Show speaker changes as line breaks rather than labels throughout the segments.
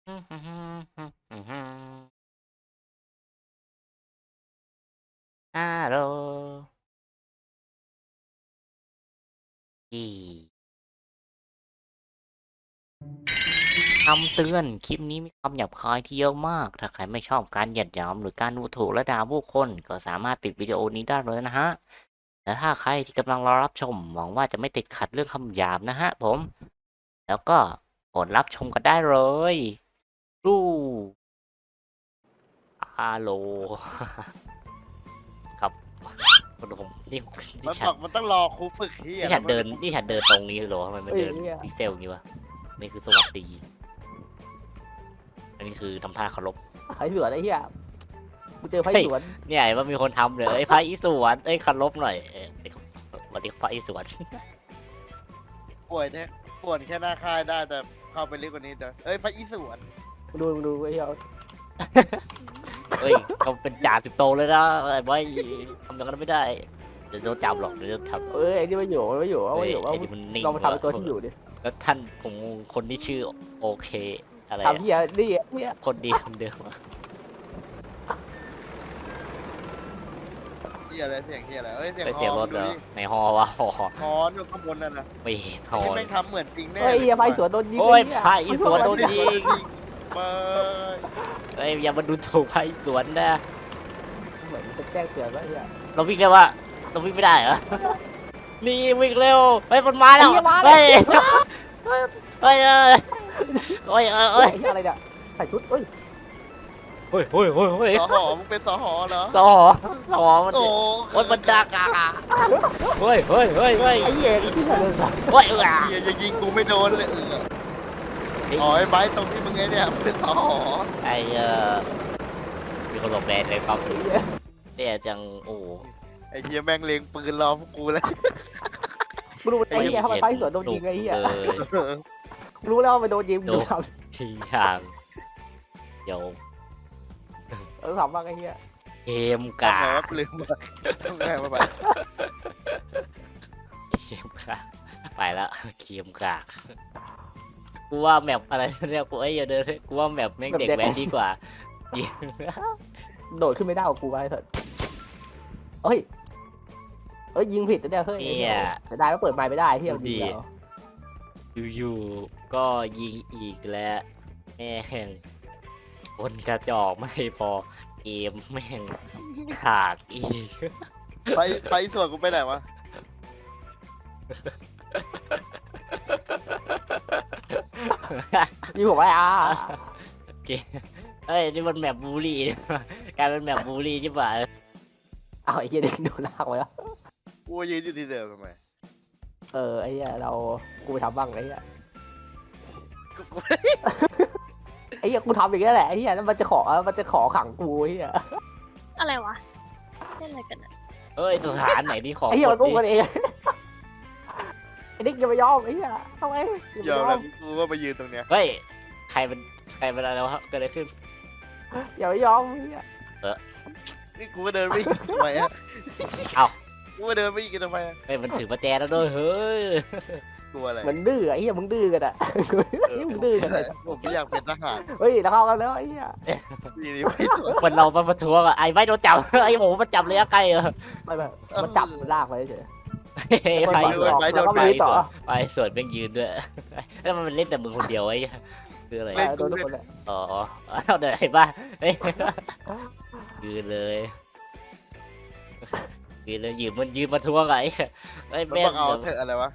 ฮัลโหลอีคำเตือนคลิปนี้มีคำหยาบคายที่เยอะมาก ถ้าใครไม่ชอบการเหยียดหยามหรือการดูถูกและด่าผู้คนก็สามารถปิดวิดีโอนี้ได้เลยนะฮะแต่ถ้าใครที่กำลังรอรับชมหวังว่าจะไม่ติดขัดเรื่องคำหยาบนะฮะผม แล้วก็กดรับชมกันได้เลยรูฮัลโหลครับผมนี่
มัน
ฉัน
บอกมันต้องรอครูฝึกที่
นี่ฉันเดินตรงนี้เหรอทำไมมันเดินพิกเซลอย่างนี้วะนี่คือสวัสดีอันนี้คือทำท่าเคารพ
ไผ่สวนไอ้เหี้ยกูเจอไผ่สวน
เนี่ยว่ามีคนทำเลยพระอิศวรเคารพหน่อยสวัสดีพระอิศวร
ป่วยเนี่ยป่วนแค่หน้าค่ายได้แต่เข้าไปลึกกว่านี้เด้อพระอิศวร
ดูไอ้เหี้ย
เฮ้ยเขาเป็นจ่าสิบโตเลยนะไอ้บอยทำอย่างนั้นไม่ได้เดี๋ยวโดนจับหรอกเดี๋ยวจะทำ
ไอ้นี่ไม่อยู่ว่า
ไอ้นี่มันนิ่ง
เรามาทำเป็นตัวที่อยู่ดิ
แล้วท่านผมคนที่ชื่อโอเคอะไร
ทำเหี้ยนี่เหี้ย
คนดีคนเดิม
ที่อะไรเสียงที่อะไรเสียง
ไป
ฮ
เสีย
อง
รถ
ดู
เหรอ
ดิ
ในฮอวะฮอ
ฮอนอยู่ข้างบนนั่นนะ
ไม่เห็นฮอ
ที่แม่งทำเหมือนจริงแน่
ไอ้เหี้ยไผ่สวนโดนยิง
โอ้ยพระอิศวรโดนยิง
มา
เฮ้ยอย่ามาดูถูกพระอิศวรนะ
เหมือนจะแจ้งเตือนว่าไอ้เหี้ย
เราวิ่งได้วะเราวิ่งไม่ได้เหรอ นี่วิ่งเร็วเฮ้ยมันมาแล้วเฮ้ยเฮ้ยเฮ้ยเฮ้ย
ไอ้เหี้ยอะไรเนี่ยใส่ชุดเอ้ย
เฮ้ยเฮ้ยเฮ้ยเฮ้ย
สหอมึงเป็นสหอเหรอ
สอมัน
โอ้
โอ้ยมันดักอ่ะเฮ้ยเฮ้ยเฮ้ยเฮ้ย
ไอ้เหี้ยไอ้ที่ไหนเลย
เฮ้ย
เฮียจะยิงกูไม่โดนเลยไอ้ไบตรงที่มึงไอ้เนี่ยเป็นสหอ
ไอ้มีคนหลบแดนเลยครับเนี่ยจังโอ้
ไอ้เฮียแม่งเล็งปืนรอพวกกูเลย
กูรู้ไอ้เหี้ยทำไมไผ่สวนโดนยิงไอ้เหี้ย
เลย
รู้แล้วว่ามันโดนยิงดูท
ทีอย่างเดี๋ยว
ำทำบ้างไอ้เหี้ย
เกม
ทำ
กา
ไงวะลืมมาทำไงมาไป
เกมกาไปแล้วเกมกากูว่าแมปอะไรเนี่ยกูอย่าเดินกูว่าแมปแม่งเด็กแว้นดีกว่ายิง
โดดขึ้นไม่ได้กับกูไปเถอะเฮ้ยยิงผิดนะเนี่ยเฮ้ยจะได้ก็เปิดไมค์ไม่ได้เฮียมันดีแล้ว
อยู่ๆก็ยิงอีกแล้วแม่งคนกระจอกไม่พอเกมแม่งขาดอีก
ไปส่วนกูไปไหนวะ
ยิงผมไว้
เกมเฮ้ยนี่มันแมปบูลลี่กลายเป็นแมปบูลลี่ใช่ปะ
เอาไอ้เหี้ยเด็กโดนลากไว้แล้ว
กูยืนอยู่ที่เดิมทำไม
ไอ้เหี้ยกูไปทำบ้างไอ้เหี้ย
กู
ไอ้เหี้ยกูทำอย่างเงี้ยแหละไอ้เหี้ยแล้วมันจะขอขังกูไอ้เหี้ย
อะไรวะเล่นอะไรกันอะ
เอ้ยสถานไหนที่ของ
ไอ้เหี้ยมันอุ้ม
ดิ
กันเองไอ้นิกอย่าไปยอมไอ้เหี้ยทำไม
ยอมแล้วกูก็มายืนตรงเนี้ย
เฮ้ยใครเป็นอะไรวะเกิดอะไรขึ้น
อย่าไปยอมไอ้เหี้ย
นี่กูก็เดินไม่อีกทำไมอะ
เอ้า
กูก็เดินไม่อีกทำไมอะ
เฮ้ยมันถือประแจแล้วด้วยเฮ้ย
กลัวอะไร
มันดื้อไอ้เหี้ยมึงดื้อกันอ่ะมึงดื้อกันเลย
ผมไม่อยากเป็นทหาร
เฮ้ยแล้วเข้ากันแล้วไอ้เหี้ย
นี่ไปส่วน
มันเรามาประท้วงอ่ะไอ้ไม่โดนจับไอ้โหมันจับเลยอะใกล้
ไม่มันจับมันลากไปเฉย
ไป
แล้วก็มีต่อ
ไปส่วนแม่งยืนด้วยแล้วมันเล่นแต่มึงคนเดียวไอ้คืออะไร
โดนทุกคนเลย
อ๋อเอาเดี๋ยวไอ้บ้าเฮ้ยยืนเลยยืนเลยยืนมาทวงไอ้ไอ้
มัน
แม่
บอกเอาเถอะอะไรวะ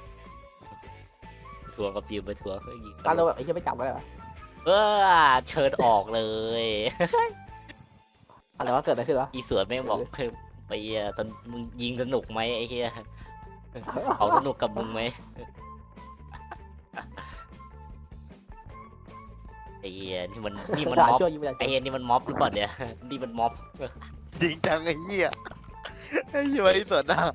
ทวงกับยืนมาทวงยิง
การเราแบบไอ้เหี้ยไม่จับไว้เหรอ
เชิญออกเลย
อะไรวะเกิดอะไรขึ้นวะ
อีสวนแม่งบอกไปตอนมึงยิงสนุกไหมไอ้เหี้ยเขาสนุกกับมึงไหมไอ้เหี้ยนี่มันม็อบ
ช่วยยิงไม่ได้
ไอ้เหี้ยนี่มันม็อบหรือเปล่าเนี่ยนี่มันม็อบ
จริงจังไอ้เหี้ยไอ้เหี้ยไอ้ส่วนหน้า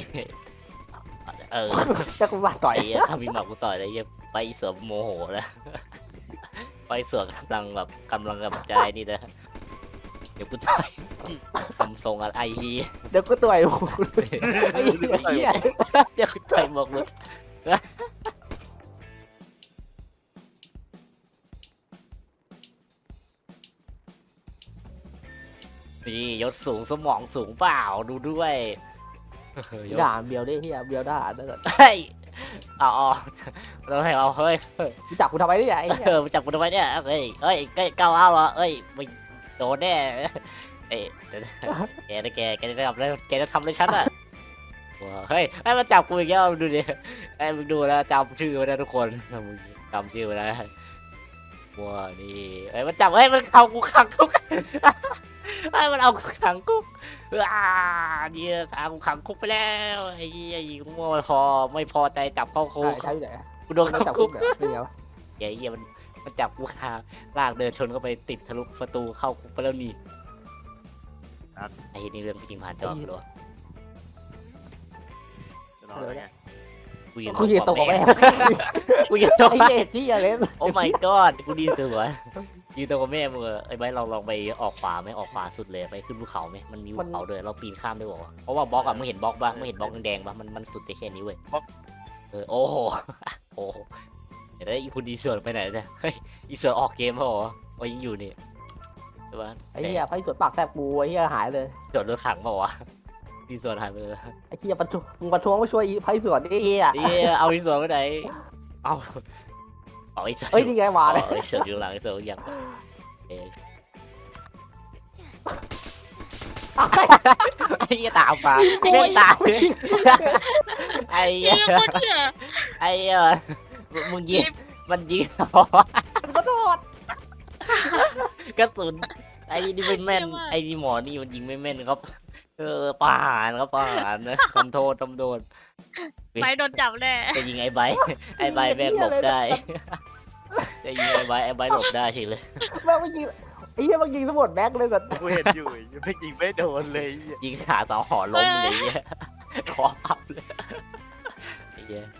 จะกูมาต่อย
ไอ้เหี้ยถ้ามีหมักกูต่อยไอ้เหี้ยไปอีสวนโมโหแล้วไปสวนกำลังกับใจนี่นะเดี๋ยวกูต่อยทำทรงอะไรไอ้เหี้ย
เดี๋ยวกูต่อยไอ้เหี้ย
เดี๋ยวกูต่อยหมกลุดนี่ยศสูงสมองสูงเปล่าดูด้วยยศ
ด่าเบียวดิเฮียเบียวด่านั่นแหละ
เฮ้ยเอาเราให้เอาเฮ้ย
รู้จักกูทำไมเนี่ยไอ้เหี้ย
มาจับกูทำไมเนี่ยเฮ้ยก้าวเอาเหรอเอ้ยไม่โดนแน่เอ้ยแกจะทำอะไรแกจะทำอะไรฉันอ่ะเฮ้ยไอ้มาจับกูอีกแล้วดูดิไอ้มึงดูแล้วจำชื่อไว้นะทุกคนมึงจำชื่อไว้นะว้านี่ไอ้มันจับมันเอากูขังคุกไอ้มันเอากูขังคุกเนี่ยเอากูขังคุกไปแล้วไอ้ยี่ยิงมั่วไม่พอใจจับเข้าคุก
ใช่ไหน
กูโดน
ไม่
เข้า
จับ
คุ
กู
ก
เนี่ยเป็นไงวะ
ไอ้เหี้ยมันจับกูคาลากเดินชนเข้าไปติดทะลุประตูเข้าคุกไปแล้วนี่ไอ้เหี้ยนี่เรื่องจริงผ่านจอหรอ
จะนอนแล้วไง
กูยืนตรงกับแม่
กูยืนตรง
ไอ้เหี้ยที่อะไร
โอ้ my god กูดีสุดวะยืนตรงกับแม่มึงไอ้ใบเราลองไปออกขวาไหมออกขวาสุดเลยไปขึ้นภูเขาไหมมันมีภูเขาด้วยเราปีนข้ามได้บอกว่าเพราะว่าบล็อกอะมึงเห็นบล็อกปะมึงเห็นบล็อกแดงๆปะมันสุดได้แค่นี้เว้ยโอ้โหโอ้โหเดี๋ยวอีคุณดีส่วนไปไหนเนี่ยเฮ้ยอีส่วนออกเกมแล้วเหรอว่ายังอยู่นี่ใช่ปะ
ไอ้เหี้ยไฟสวนปากแสบปูไอ้เหี้ยหายเลย
โดดรถถังเปล่าวะดีส่วนหายไปเลย
ไอ้เหี้ยมึงประท้วงมาช่วยไฟสวนไอ้เหี้ย
นี่เอาดีส่วนไปไหนเอาไอ้ส่วน
เอ้ยนี่ไงหวานเลย
ไอ้ส่วนอยู่หลังไอ้ส่วนยังไอ้เหี้ยตามมาเล่นตามไอ้เหี้
เหี้
ย
ยโคตรเหี้ย
ไอ้เหี้ยมึงยิงมันยิง
ขอโทษ
กระสุนไอ้นี่ไม่แม่นไอ้นี่หมอนี่มันยิงไม่แม่นครับประหารครับประหารนะทำโทษทำโดน
ไปโดนจับแน่
จะยิงไอ้ใบไอ้ใบแม่งหลบได้จะยิงไอ้ใบหลบได้เฉยเลย
แม่งไม่ยิงไอ้เหี้ยมันยิงสมุดแบ็คเลยแบบ
กูเห็นอยู่ไม่ยิงไม่โดนเลย
ยิงขาสองหอล้มเลยเหี้ยคอพับเลยไอ้เหี้ย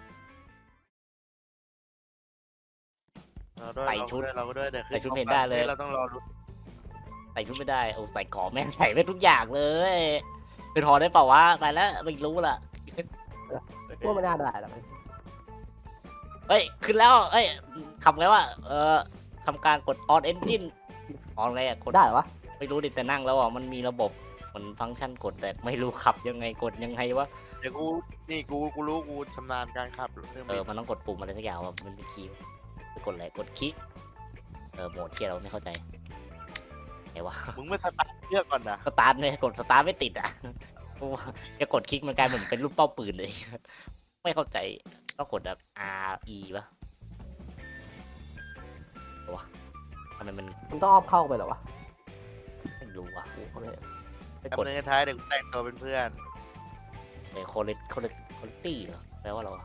เราก็ด้วยแต่
ใส่ชุดเพนด้าเลย
เราต้องรอดู
ใส่ชุดไม่ได้โอ้ใส่ก่อแม่งใส่ไม่ทุกอย่างเลยเป็นหอได้เปล่าวะไปแล้วไม่รู้ละ
ว่าไม่น่าได้หรอก
เฮ้ยขึ้นแล้วเอ้ยขับไงวะทำการกด on engine ออนอะไรอะกด
ได้เหรอวะ
ไม่รู้ดิแต่นั่งแล้วอ่ะมันมีระบบมันฟังก์ชันกดแต่ไม่รู้ขับยังไงกดยังไงวะ
เดี๋ยวกูรู้กูชำนาญการขับเครื่องบิน
มันต้องกดปุ่มอะไรสักอย่างว่ามันเป็นคีย์ไปกดอะไรกดคลิกโหมดที่เราไม่เข้าใจไงวะ
มึงไม่สตาร์ทเครื่องก่อนนะ
สตาร์ทเนี่ยกดสตาร์ทไม่ติดอ่ะจะกดคลิกมันกลายเหมือนเป็นรูปเป้าปืนเลย ไม่เข้าใจต้องกดแบบ R E ปะวะทำไมมัน
มึงต้องอ้อมเข้าไปเหรอวะ
ไม่รู้วะ
โอเค
ไป
ดำ
กด
เนินท้ายเดี๋ยวกูแต่งตัวเป็นเพื่อน
โคเลตี้เหรอแปลว่าอะไรวะ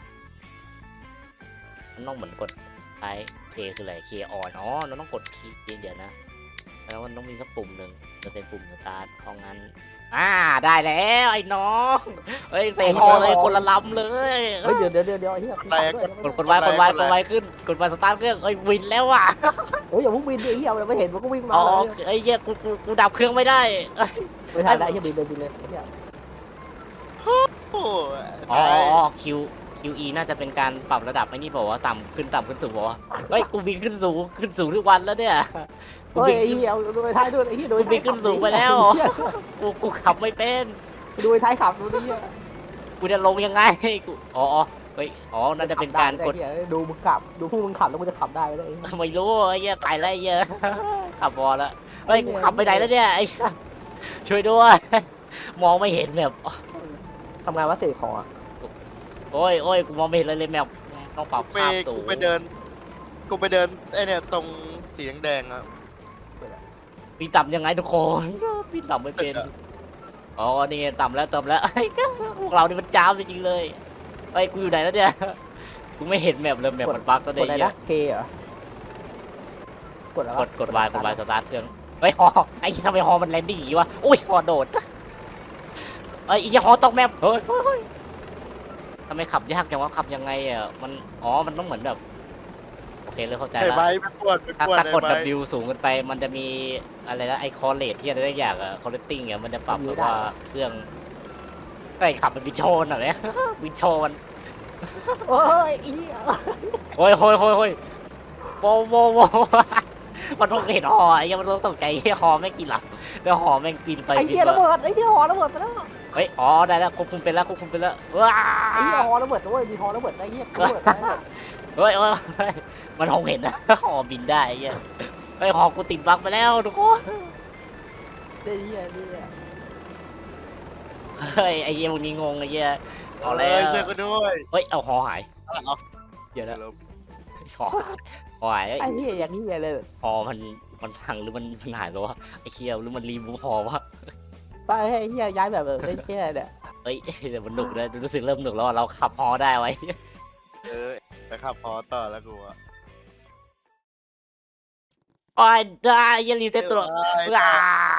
มันต้องเหมือนกดไอเคคืออะไรเคออนเราต้องกดคีย์เดี๋ยวนะแล้วมันต้องมีสักปุ่มหนึ่งจะเป็นปุ่มสตาร์ทเอางั้นได้แล้วไอ้น้องเฮ้ยเสกคอเลยคนละลำเลย
เฮ้ยเดี๋ยวไอ้เหี้ย
กดไว้ขึ้นกดไว้สตาร์ทเครื่องเอ้ยวินแล้วอ่ะ
เฮ้ยอย่าพุ่งบินดิไอ้เหี้ยไม่เห็นมันก็วิ่งมา
อ๋อ
เลย
ไอ้เหี้ยกูดับเครื่องไม่ได้
ไม่ทันได้ไอ้เหี้ยบินเลยไอ้เหี้ย
โอ้
อ๋อ QE น่าจะเป็นการปรับระดับไอ้นี่เปล่าวะต่ำขึ้นสูงเปล่าวะเฮ้ยกูบินขึ้นสูงทุกวันแล้วเนี่ยกู
เฮ้ย
บิน
ไอ้เหี้ยดูไปท้ายด้วยไอ้เหี้ยดู
กูบินขึ้นสูงไปแล้วกูขับไม่เป็น
ดูไปท้ายขับดูดิเหี้ย
กูจะลงยังไงกูเฮ้ยน่าจะเป็นการกด
ดูมึงขับดูพวกมึงขับแล้วมึงจะขับได้ไหมเนี่ย
ไม่รู้ไอ้เหี้ยตายแล้วไอ้เหี้ยขับบอลแล้วเฮ้ยกูขับไปไหนแล้วเนี่ยไอ้ช่วยด้วยมองไม่เห็นแบบ
ทำงานว่าเสกของอ่ะ
โอ้ยกูมองไม่เห็นเลยแมวต้องปรับภาพสูง
กูไปเดินไอเนี่ยตรงสีแดงๆอ่ะ
ปีนต่ำยังไงทุกคนปีนต่ำไม่เป็นนี่ต่ำแล้วพวกเรานี่มันจ้ามจริงๆเลยเฮ้ยกูอยู่ไหนแล้วเนี่ยกูไม่เห็นแมปเลยแมปมันบั๊กก็
ก
ได้
ดอะไร
เนี่ย
นะเคเหรอก
ดวายสตาร์ทเครื่องเฮ้ยไอ้ทำไมฮอมันแลนดิ้งอย่างงี้วะโอ้ยฮอโดดไอ้ฮอตกแมปเฮ้ยทำไมขับยากจังวะขับยังไงอ่ะมันต้องเหมือนแบบโอเคเลยเข้าใจ
ใช่
แล้ว
ไหมไปปวด
ถ้ากด
ไอ้
W สูงเกินไปมันจะมีอะไรนะไอคอเลตที่อะไรได้อย่างอะคอเลตติ้งอะมันจะปรับแบบว่าเครื่องไอขับเป็นวินโชนอะเนี่ย วินโชน
โอ้ยอี
โอ้ยโว้มันต้องเห็นหอไอ้เหี้ยมันต้องตกใจไอ้หอแม่งกินหลับแล้วหอแม่งปีนไป
ไอ้
ปี
เหี้ย
น
ระ
มา
เบิดไอ้เหี้ยหอระเบิดไปแล้ว
เฮ้ยอ๋อได้แล้วควบคุมเป็นแล้วควบคุมเป็นแล้วว้า
ไอ้เหี้ยหอระเบิดด้วยมีหอระเบิดไอ้เหี้ยระเบิดได้
เฮ้ยมันคงเห็นนะหอบินได้ไอ้เหี้ยเฮ้ยหอกูติดบั๊กไปแล้วทุกคน
ไอ้เหี้ยนี่
เฮ้ยไอ้เหี้ยพวกนี้งงไอ้เหี้ยเอาแล้ว
เจอกันด้วย
เฮ้ยเอาหอหาย
เอา
เดี๋ยวนะ
ลบ
หอหายเอ้ย
ไอ้เหี้ยอย่างนี้เลย
หอมันพังหรือมันหายแล้ววะไอ้เชี่ยหรือมันรีมูฟหอวะ
ไปไอ้เหี้ยย้ายแบบไอ้เหี้ยเนี่ย
เฮ้ยแต่มันหนุกเลยรู้สึกเริ่มหนุกแล้วอะเราขับหอได้ไว้
ไปขับพอต่อแล้วกูอะ
โอ้ยได้ยันรีเซ็ตตัว
เอ้ย
ว้า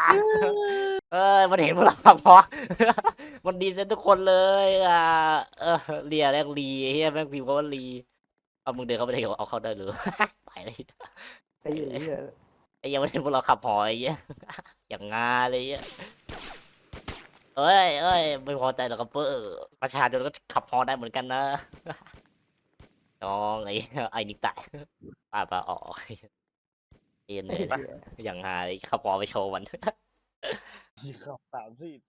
มันเห็นพวกเราขับหอ มันดีเซ็ตทุกคนเลยเรียแรกรีไอ้เฮียแม่งพิมพ์ว่ารีเอามึงเดินเข้าไปได้เอาเข้าได้หรือ ไปเลย
ไอ้เหี้ย
ไอ้เหี้ยังไม่เห็นพวกเราขับหอไอ้เหี้ย อย่างงาเลยไอ้เหี้ยเอ้ยไม่พอใจหรอกครับเพื่อประชาชนก็ขับฮอได้เหมือนกันนะ น้องไอ้นิกตายป่าออกเอ็นเลยอย่างหาเลยขับฮอไปโชว์มัน
ขับ30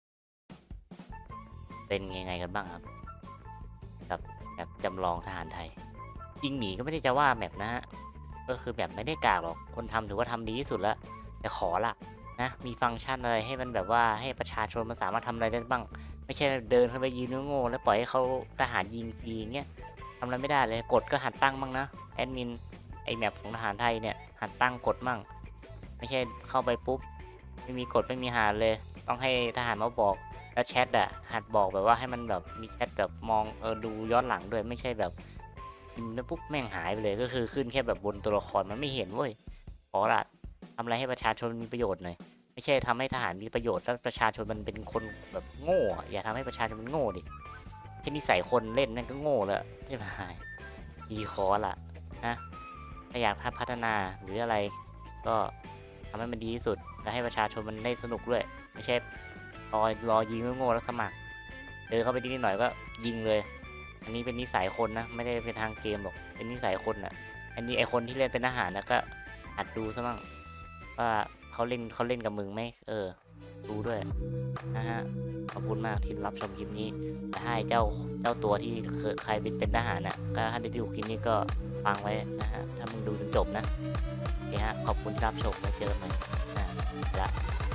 เป็นยังไงกันบ้างครับกับแบบจำลองทหารไทยจริงหมีก็ไม่ได้จะว่าแมปนะฮะก็คือแบบไม่ได้กากหรอกคนทำถือว่าทำดีที่สุดแล้วแต่ขอละนะมีฟังก์ชันอะไรให้มันแบบว่าให้ประชาชนมันสามารถทำอะไรได้บ้าง ไม่ใช่เดินเข้าไปยืนโง่ๆแล้วปล่อยให้เขาทหารยิงฟรีอย่างเงี้ยทำอะไรไม่ได้เลยกฎก็หัดตั้งบ้างนะแอดมินไอแมปของทหารไทยเนี่ยหัดตั้งกฎมั่งไม่ใช่เข้าไปปุ๊บไม่มีกฎไม่มีหารเลย ต้องให้ทหารมาบอกแล้วแชทอะหัดบอกแบบว่าให้มันแบบมีแชทแบบมองดูย้อนหลังด้วยไม่ใช่แบบพิมพ์แล้วปุ๊บแม่งหายไปเลยก็คือขึ้นแค่แบบบนตัวละครมันไม่เห็นเว้ยขอละทำอะไรให้ประชาชนมีประโยชน์หน่อยไม่ใช่ทำให้ทหารมีประโยชน์แล้วประชาชนมันเป็นคนแบบโง่อะอย่าทำให้ประชาชนมันโง่ดิแค่นิสัยคนเล่นนั่นก็โง่แล้วใช่ไหมดีคอละนะถ้าอยากพัฒนาหรืออะไร ก็ทำให้มันดีที่สุดและให้ประชาชนมันได้สนุกด้วยไม่ใช่รอยิงโง่ๆแล้วสมัครเดินเข้าไปนิดหน่อยก็ยิงเลย อันนี้เป็นนิสัยคนนะไม่ได้เป็นทางเกมหรอกเป็นนิสัยคนอ่ะ อันนี้ไอคนที่เล่นเป็นทหารนะก็หัดดูซะมั่งว่าเขาเล่นกับมึงไหมดูด้วยนะฮะขอบคุณมากที่รับชมคลิปนี้แต่ให้เจ้าตัวที่ใครเป็นทหารน่ะก็ถ้าได้ดูคลิปนี้ก็ฟังไว้นะฮะถ้ามึงดูจนจบนะโอเคฮะขอบคุณที่รับชมไว้เจอกันใหม่ละ